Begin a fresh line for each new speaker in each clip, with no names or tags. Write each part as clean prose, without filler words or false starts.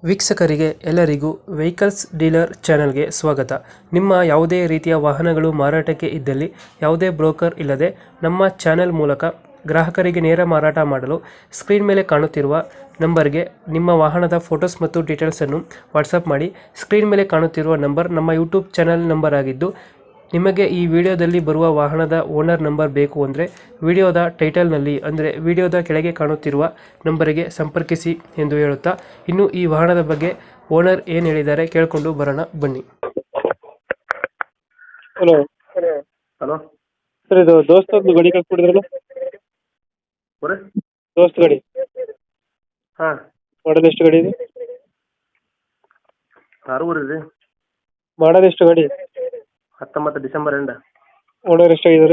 ವೀಕ್ಷಕರಿಗೆ ಎಲ್ಲರಿಗೂ vehicles dealer ಚಾನೆಲ್ಗೆ ಸ್ವಾಗತ. ನಿಮ್ಮ ಯಾವುದೇ ರೀತಿಯ ವಾಹನಗಳು ಮಾರಾಟಕ್ಕೆ ಇದ್ದಲ್ಲಿ ಯಾವುದೇ ಬ್ರೋಕರ್ ಇಲ್ಲದೆ ನಮ್ಮ ಚಾನೆಲ್ ಮೂಲಕ ಗ್ರಾಹಕರಿಗೆ ನೇರ ಮಾರಾಟ ಮಾಡಲು ಸ್ಕ್ರೀನ್ ಮೇಲೆ ಕಾಣುತ್ತಿರುವ ನಂಬರ್ಗೆ ನಿಮ್ಮ ವಾಹನದ ಫೋಟೋಸ್ ಮತ್ತು ಡೀಟೇಲ್ಸನ್ನು ವಾಟ್ಸಪ್ ಮಾಡಿ. ಸ್ಕ್ರೀನ್ ಮೇಲೆ ಕಾಣುತ್ತಿರುವ ನಂಬರ್ ನಮ್ಮ ಯೂಟ್ಯೂಬ್ ಚಾನೆಲ್ ನಂಬರ್ ಆಗಿದ್ದು, ನಿಮಗೆ ಈ ವಿಡಿಯೋದಲ್ಲಿ ಬರುವ ವಾಹನದ ಓನರ್ ನಂಬರ್ ಬೇಕು ಅಂದರೆ ವಿಡಿಯೋದ ಟೈಟಲ್ನಲ್ಲಿ ಅಂದರೆ ವಿಡಿಯೋದ ಕೆಳಗೆ ಕಾಣುತ್ತಿರುವ ನಂಬರಿಗೆ ಸಂಪರ್ಕಿಸಿ ಎಂದು ಹೇಳುತ್ತಾ, ಇನ್ನು ಈ ವಾಹನದ ಬಗ್ಗೆ ಓನರ್ ಏನು ಹೇಳಿದ್ದಾರೆ ಕೇಳಿಕೊಂಡು ಬರೋಣ ಬನ್ನಿ. ಹಲೋ
ಹಲೋ
ಸರ್, ಇದು ದೋಸ್ತ ಒಂದು ಗಾಡಿ ಕಳ್ಸ್ಕೊಡಿದ್ರಲ್ಲ, ದೋಸ್ತ್ ಗಾಡಿ
ಹಾಂ
ಮಾಡಲ್ ಎಷ್ಟು ಗಾಡಿ ಇದೆ?
ಕಾರೂರು ರೀ.
ಮಾಡಲ್ ಎಷ್ಟು ಗಾಡಿ?
19 ಡಿಸೆಂಬರ್ ಎಂಡ.
ಓನರ್ ಎಷ್ಟಾಗಿದ್ದಾರೆ?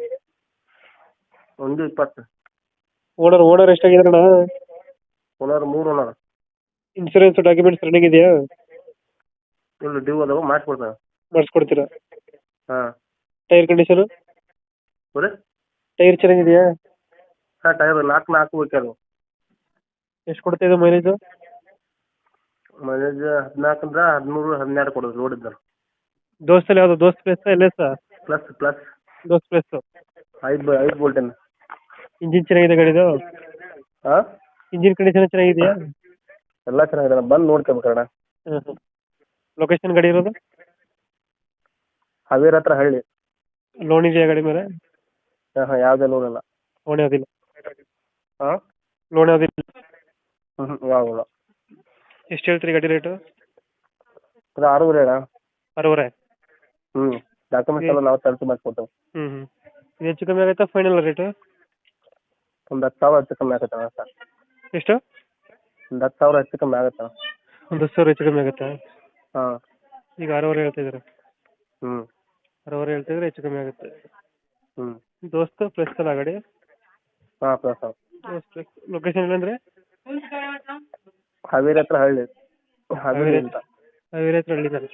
1:20.
ಓನರ್ ಎಷ್ಟಾಗಿದಾರಣ?
Owner 3 owner.
Insurance documents running ಇದೆಯಾ?
ಇಲ್ಲ, ಡ್ಯೂ ಅದಾವ, ಮಾಡಿಸ್ಕೊಡ್ತಾನೆ.
ಮಾಡಿಸ್ಕೊಡ್ತೀರಾ?
ಹಾಂ.
Tyre condition?
ಬರೀ
ಟೈರ್ ಚೆನ್ನಾಗಿದೆಯಾ?
ಹಾಂ, ಟೈರ್ 4 ಬೇಕದು.
ಎಷ್ಟು ಕೊಡ್ತಾ ಇದೆ ಮೈಲೇಜು?
ಮೈಲೇಜ್ 14 ಅಂದ್ರೆ 13 12 ಕೊಡೋದು ರೋಡ್ ಇದ್ದ.
ದೋಸ್ತಲ್ಲಿ ಯಾವುದು ದೋಸ್ತ್ ಪ್ಲೇಸ್ ಎಲ್ಲ ಸರ್?
ಪ್ಲಸ್
ದೋಸ್ತ್ ಪ್ಲೇಸ್
5 ಬೋಲ್ಟನ್.
ಇಂಜಿನ್ ಚೆನ್ನಾಗಿದೆ ಗಾಡಿದು?
ಹಾಂ,
ಇಂಜಿನ್ ಕಂಡೀಷನ್ ಚೆನ್ನಾಗಿದೆಯಾ?
ಎಲ್ಲ ಚೆನ್ನಾಗಿದೆ, ಬಂದು ನೋಡ್ಕೋಬೇಕಣ್ಣ.
ಲೊಕೇಶನ್ ಗಾಡಿ ಇರೋದು?
ಹಾವೇರಿ ಹತ್ರ ಹಳ್ಳಿ.
ಲೋನ್ ಇದೆಯಾ ಗಾಡಿ ಮೇಲೆ?
ಹಾಂ, ಯಾವುದೇ ಲೋನ್ ಇಲ್ಲ.
ಲೋನ್ ಯಾವುದಿಲ್ಲ?
ಹಾಂ,
ಲೋನ್ ಯಾವುದಿಲ್ಲ?
ಯಾವಿಲ್ಲ.
ಎಷ್ಟು ಹೇಳ್ತೀರಿ ಗಾಡಿ ರೇಟು?
ಅದು 6 ಅಣ್ಣ.
6.5?
ಡಾಕ್ಯುಮೆಂಟ್ಸ್ ಎಲ್ಲ ನಾವು ತರಿಸಿ ಮಾಡಿಸ್ಕೊಡ್ತೇವೆ.
ಇದು ಹೆಚ್ಚು ಕಮ್ಮಿ ಆಗುತ್ತಾ ಫೈನಲ್ ರೇಟು?
ಒಂದು 10,000 ಹೆಚ್ಚು ಕಮ್ಮಿ ಆಗುತ್ತೆ ಅಣ್ಣ ಸರ್.
ಎಷ್ಟು?
ಒಂದು 10,000 ಹೆಚ್ಚು ಕಮ್ಮಿ ಆಗುತ್ತೆ ಅಣ್ಣ.
ಒಂದು 10,000 ಹೆಚ್ಚು ಕಮ್ಮಿ ಆಗುತ್ತಾ?
ಹಾಂ.
ಈಗ 6.5 ಹೇಳ್ತಿದ್ದೀರಾ? 6.5 ಹೇಳ್ತಿದ್ರೆ ಹೆಚ್ಚು ಕಮ್ಮಿ ಆಗುತ್ತೆ. ದೋಸ್ತ ಪ್ಲಸ್ ಅಲ್ಲ ಗಾಡಿ?
ಹಾಂ, ಪ್ಲಸ್.
ಲೊಕೇಶನ್ ಇಲ್ಲಂದ್ರೆ?
ಹಾವೇರಿ ಹತ್ರ ಹಳ್ಳಿ. ಹಾವೇರಿ ಅಂತ.
ಹಾವೇರಿ ಹತ್ರ ಹಳ್ಳಿದ್ದಾರೆ.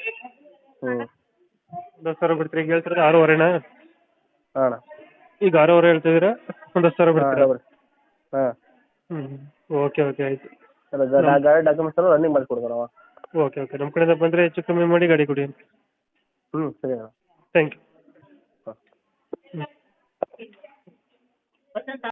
10,000 ಬಿಡ್ತೀರಿ? ಈಗ ಹೇಳ್ತಿರೋದು 6.5ನಾ?
ಹಾಂ.
ಈಗ 6.5 ಹೇಳ್ತಿದ್ದೀರಾ, ಒಂದು 10,000 ಬಿಡ್ತೀರಾ?
ಹಾಂ.
ಓಕೆ ಆಯಿತು.
ಗಾಡಿ ಡಾಕ್ಯುಮೆಂಟ್ಸ್ ಎಲ್ಲ ರನ್ನಿಂಗ್ ಮಾಡಿಸ್ಕೊಡ್ತಾರೆ ನಾವು.
ಓಕೆ ನಮ್ಮ ಕಡೆಯಿಂದ ಬಂದರೆ ಹೆಚ್ಚು ಕಮ್ಮಿ ಮಾಡಿ ಗಾಡಿ ಕೊಡಿ.
ಸರಿ ಅಣ್ಣ.
Thank you.